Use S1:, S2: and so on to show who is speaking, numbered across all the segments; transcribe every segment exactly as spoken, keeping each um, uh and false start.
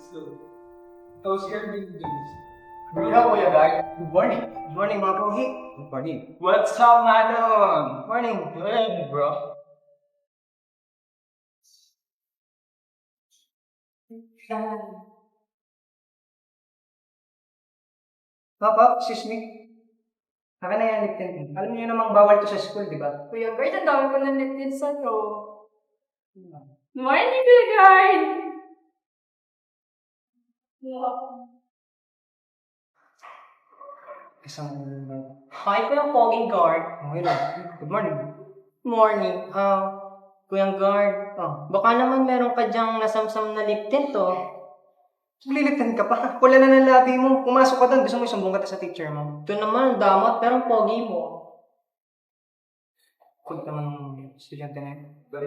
S1: So, how's your day doing?
S2: Hello, Kuya Guy. Good morning.
S3: Good morning, mga pogi.
S2: Good morning.
S1: What's up, Manon?
S3: Morning.
S2: Good, bro.
S3: Papa, excuse me. Akin na yan, Lipton. Alam niyo namang bawal to sa school, di ba?
S4: Kuya Guard, ang dami ko na natin sa'yo. Morning, Kuya Guard!
S3: Isang...
S5: Hi, Kuya Poging Guard.
S3: Okay lang. Good morning.
S5: Morning. Ah, Kuya Guard.
S3: Oh,
S5: Baka naman meron ka dyang nasamsam na lip tint, oh.
S3: lilitan ka pa. Wala na ng labi mo. Pumasok ka doon. Gusto mo isumbong ka sa teacher mo.
S5: Ito naman, ang damot, pero ang pogi mo.
S3: Kulit naman ng estudyante na yun.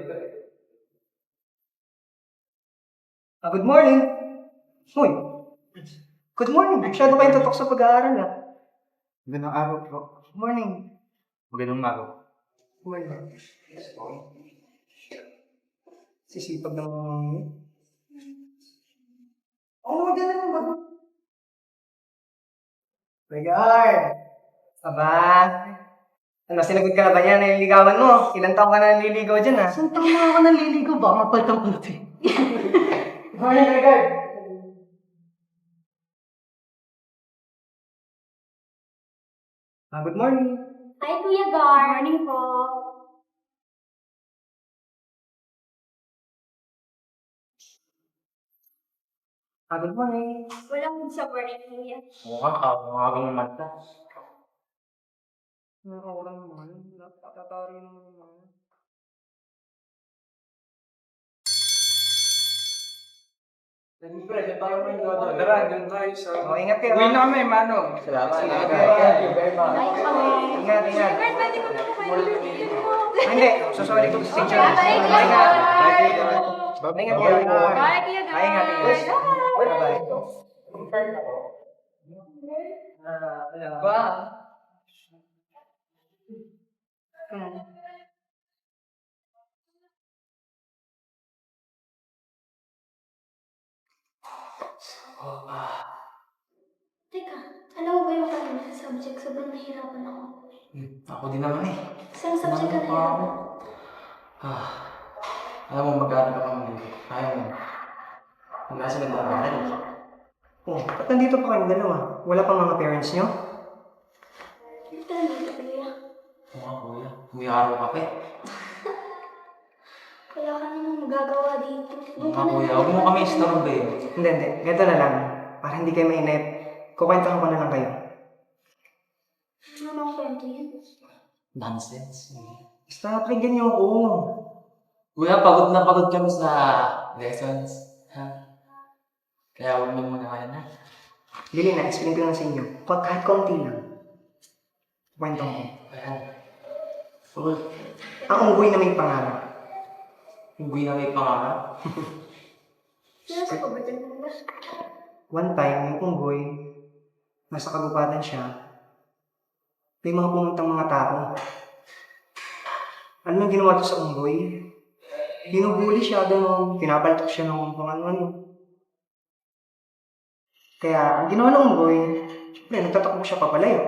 S3: Ah, good morning. Hoy. Good morning. Masyado kayong tutok sa pag-aaral, ah.
S2: Magandang araw, bro.
S3: Good morning.
S2: Magandang araw.
S3: Good morning. Sisipag ng... Oh, maganda naman ba? Regard! Aba! Ano, sinagot ka na ba niya? Naliligawan mo? Ilang taong ka na naliligaw dyan, ha?
S5: Saan taong mga ka naliligaw? Baka mapaltang ko natin.
S3: Good morning, Regard! Ah, good morning.
S4: Hi, Kuya Guard! Morning po.
S3: Ah, good morning.
S4: Walang sa morning, Kuya.
S2: Mukhang kawagang naman ka.
S3: Nakakawala naman. Natatari naman.
S1: Siyempre, dyan tayo may dodo. Tara, dyan tayo sa...
S3: Oh, ingat kayo.
S1: Uwi na kami, Manong.
S2: Salamat.
S3: Salamat.
S2: Thank you very much.
S4: Bye kami.
S3: Ingat, ingat.
S4: Kuya Guard, pwede ko na kumain yung ticket mo.
S3: Ah, hindi. Susuli ko sa teacher.
S4: Bye, Kuya
S3: Ingat.
S4: Guard.
S3: Ingat kayo.
S4: Bye, Kuya Guard.
S3: Ay, ingat, ingat. Bye-bye. Ah, hello.
S5: Ba?
S4: Teka, alam mo ba yung kanina subject? Sobrang nahihirapan ako.
S2: Hmm, Ako din naman eh.
S4: Saan subject ka
S2: Ano pa ako?
S4: nahihirapan?
S2: Ah, alam mo, mag-aaral ka pa muli. Kaya mo. Ang nasa ganda ng aral.
S3: Oh, ba't nandito pa kayong dalawa? Wala pang mga parents nyo?
S4: Ito na, Kuya.
S2: Oo nga, kuya. Umiyaraw ka pa eh.
S4: Wala ka namang magagawa dito.
S2: Oo nga, kuya. Huwag mo kami istorbo eh.
S3: Hindi, hindi. Ganito na lang. Para hindi kayo mainip. Kukwentahan ko na lang kayo.
S4: Ano nang kwento yun?
S2: Nonsense.
S3: Basta pakinggan niyo ako.
S2: Kuya, pagod na pagod kami sa lessons. Ha? Kaya huwag mo muna kaya na.
S3: Lili na, explain ko lang sa inyo. Kung kahit konti lang. Kwento ko.
S2: Ayan. Full.
S3: Ang unggoy na may pangarap.
S2: Hindi na may pangarap.
S4: Seryoso ko ba dyan, Kuya?
S3: One time, yung unggoy, nasa kagubatan siya, may mga pumuntang mga tao. Ano nang ginawa to sa unggoy? Binubuli siya, gano'n, pinabaltok siya ng kung ano-ano. Kaya, ang ginawa ng unggoy, syempre, nagtatakbo siya papalayo.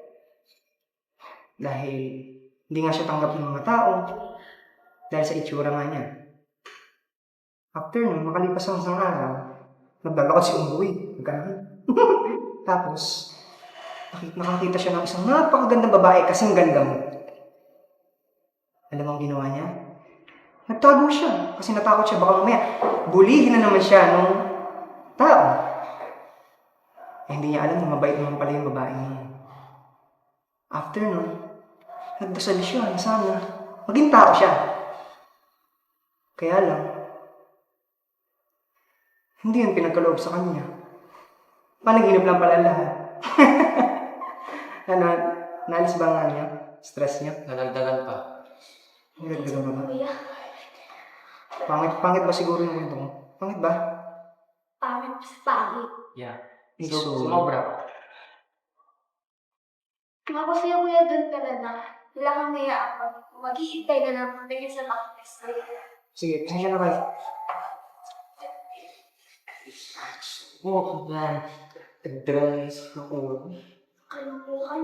S3: Dahil, hindi nga siya tanggap ng mga tao, dahil sa itsura nga niya. After nun, makalipas ang isang araw, naglalakad si unggoy. Ganun. Tapos, nakik- nakakita siya ng isang napakagandang babae kasing ganda mo. Alam mo ang ginawa niya? Nagtago siya kasi natakot siya baka mamaya bulihin na naman siya nung tao. Eh, hindi niya alam na mabait naman pala yung babae niya. After nun, nagdasal siya na sana maging tao siya. Kaya lang, hindi yun pinagkaloob sa kanya. Panaginip lang pala lahat. Ano, naalis ba nga niya? Stress niya?
S2: Nalagdagan pa.
S3: Nagdagdagan ba ba?
S4: Kuya,
S3: Pangit, pangit ba siguro yung kwento mo? Pangit ba?
S4: pangit sa pangit.
S2: Yeah.
S3: Eh,
S2: So,
S3: so-
S2: sumobra.
S4: Mapasaya Kuya doon ka na na. Wala kang niyaan. Mag-iintay ka lang pagdating sa makapis.
S3: Sige, pasensya na kayo.
S2: Oo, man. Tagdagan na isip ng ulo.
S4: Kalukuhan.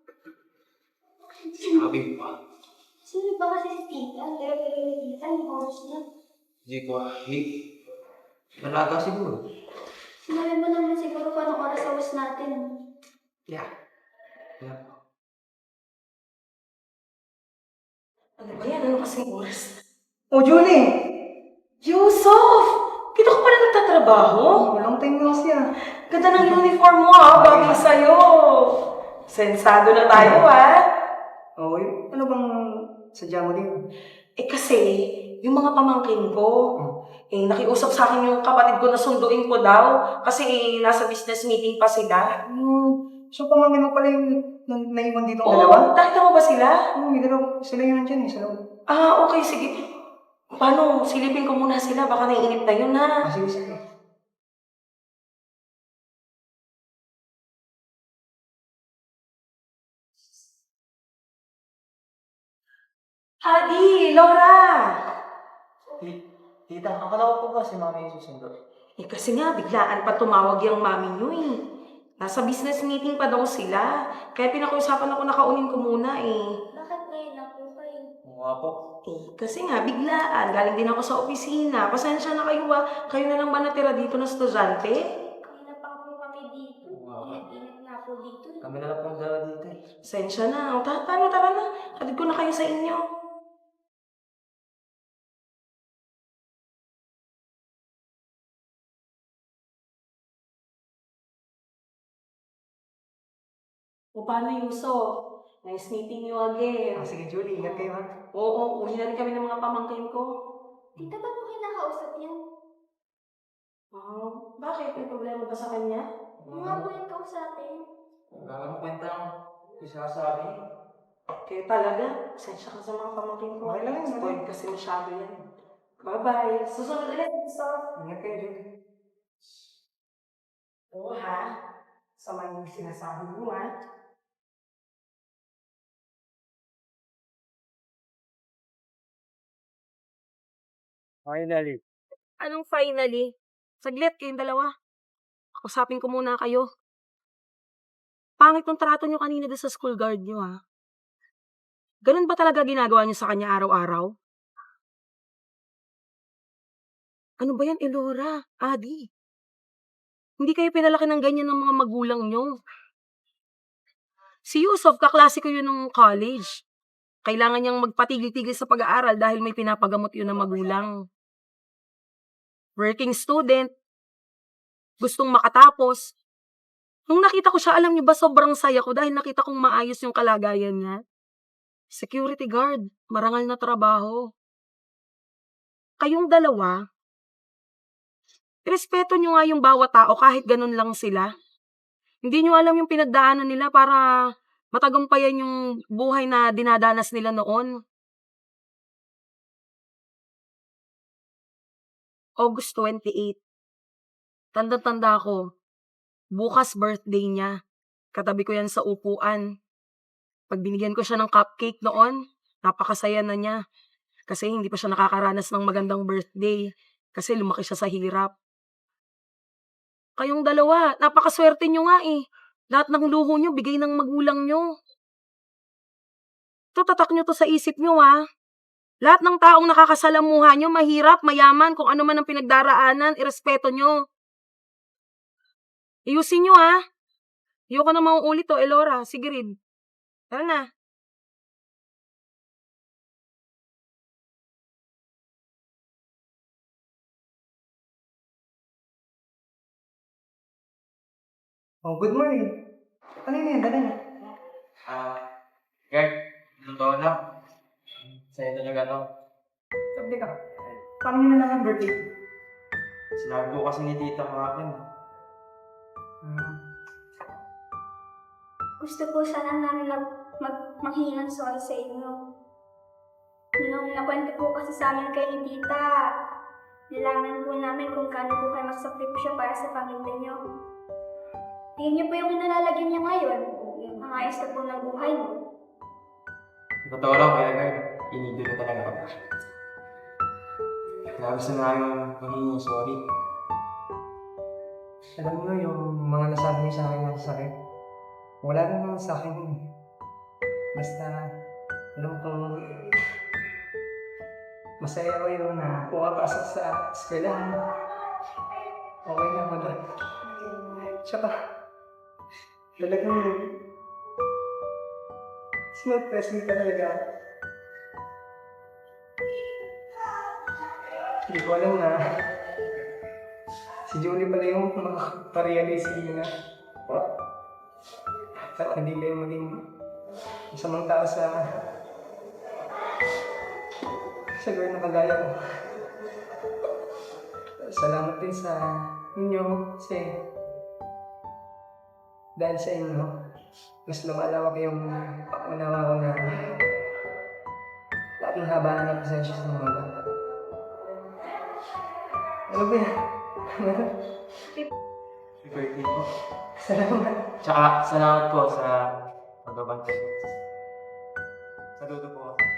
S2: Sabi pa.
S4: Sino ba kasi si tita? Pero-pero ni tita, yung oras niya.
S2: Hindi ko ahit. Malaga siguro.
S4: Sinabi mo naman siguro kung anong oras awas natin.
S2: Yeah. Yeah.
S5: Ano ba yan? Ano kasing oras?
S3: Oh, Julie!
S5: Yusuf! Kita ko pala nagtatrabaho?
S3: Oh, long time no see ah.
S5: Ganda ng uniform mo ah, bagay sa'yo. Sensado na tayo ah.
S3: Oh, y- ano bang sadya mo din?
S5: Eh kasi, yung mga pamangkin ko, eh nakiusap sa akin yung kapatid ko na sunduin ko daw kasi eh, nasa business meeting pa sila.
S3: Hmm, so pamangkin mo pala yung na- naiwan dito ang
S5: Oo,
S3: dalawa?
S5: nakita mo ba sila?
S3: Oo, may dalawa. Sila yun nandyan eh, sa loob.
S5: Ah, okay, sige. Paano? Silipin ko muna sila, baka naiinip na yun ha.
S3: Ah, sige, sige.
S5: Hadi, Laura!
S2: Tita, akala ko po ba si mami yung susundo?
S5: Eh kasi nga, biglaan pa tumawag yung mami nyo eh. Nasa business meeting pa daw sila. Kaya pinakiusapan ako nakaunin ko muna eh.
S4: Bakit ngayon lang po kayo?
S2: Oo nga po.
S5: Eh, kasi nga, biglaan. Galing din ako sa opisina. Pasensya na kayo ah. Kayo na lang ba natira dito na estudyante?
S4: Kanina pa po kami dito.
S2: Wow.
S4: Ingat-ingat na po dito.
S2: Kami na lang po ang dalawa dito eh.
S5: Pasensya na. O, ta paano, tara na. Hatid ko na kayo sa inyo. O, paano, Yuso? Nice meeting you again.
S3: Ah, sige, Julie, ingat kayo ha.
S5: Oo, uli na rin kami ng mga pamangkin ko.
S4: Tita, ba't mo kinakausap yan?
S5: Oh, bakit? May problema ba sa kanya?
S4: Yung nga po yung kausapin.
S2: Wala mo kwenta ang isasabi.
S5: Kaya talaga, pasensya ka sa mga pamangkin ko.
S3: Okay lang yun,
S5: Spoiled kasi masyado yan. Bye-bye. Susunod ulit, Yuso.
S3: Ingat kayo, Julie.
S5: Oo ha. Sama yung sinasabi mo ha.
S1: Finally.
S5: Anong finally? Saglit kayong dalawa. Kausapin ko muna kayo. Pangit yung trato nyo kanina doon sa school guard nyo ha. Ganun ba talaga ginagawa nyo sa kanya araw-araw? Ano ba yan, Elora? Adi? Hindi kayo pinalaki ng ganyan ng mga magulang nyo. Si Yusuf, kaklase ko yun nung college. Kailangan niyang magpatigil-tigil sa pag-aaral dahil may pinapagamot yun ng magulang. Working student. Gustong makatapos. Nung nakita ko siya, alam niyo ba, sobrang saya ko dahil nakita kong maayos yung kalagayan niya. Security guard. Marangal na trabaho. Kayong dalawa, respeto nyo nga yung bawat tao kahit ganun lang sila. Hindi nyo alam yung pinagdaanan nila para matagumpayan yung buhay na dinadanas nila noon. August twenty-eighth. Tanda-tanda ko. Bukas birthday niya. Katabi ko yan sa upuan. Pag binigyan ko siya ng cupcake noon, napakasaya na niya. Kasi hindi pa siya nakakaranas ng magandang birthday. Kasi lumaki siya sa hirap. Kayong dalawa, napakaswerte nyo nga eh. Lahat ng luho nyo, bigay ng magulang nyo. Ito, tatak nyo to sa isip nyo ha. Lahat ng taong nakakasalamuha nyo, mahirap, mayaman, kung ano man ang pinagdaraanan, irespeto nyo. Iyusin nyo ha. Ayoko na mauulit to, Elora. Sige rin. Tara na.
S3: Oh, good morning. Ano yun yan? Dala niya.
S2: Ah, Gert, totoo lang. Sa'yo talaga to.
S3: Sabi ka. Paano nyo na lang ang birthday?
S2: Sinabi ko kasi ni tita mga akin.
S3: Hmm.
S4: Gusto po sana namin mag, mag, manghingi ng sorry sa inyo. Nung nakwento po kasi sa amin kay ni tita, nalaman po namin kung kano po kayo magsakripisyo para sa pamilya niyo. Tingin niyo po yung inalalagyan niya ngayon. Ang ayos na po ng buhay niyo.
S2: Totoo lang, kaya Gert, inidolo talaga ako. Kaya gusto nga yung magiging sorry.
S3: Alam mo yung mga nasabi niyo sa akin ng sakit, wala naman sa akin yun. Basta, alam kong masaya ko yun na pumapasok sa eskwelahan. Okay na ako doon. Tsaka, talagang sinurpress me talaga. Hindi ko alam na si Julie pala yung makaparealize na at hindi kayo maging masamang tao sa sa girl na kagaya ko. Salamat din sa inyo kasi dahil sa inyo, mas lumalawak yung paunawa ko na laking habaan ng pasensya sa mga bata. Ano ba yan?
S2: Happy birthday po.
S3: Salamat.
S2: Tsaka, salamat po sa pagbabantay. Saludo po.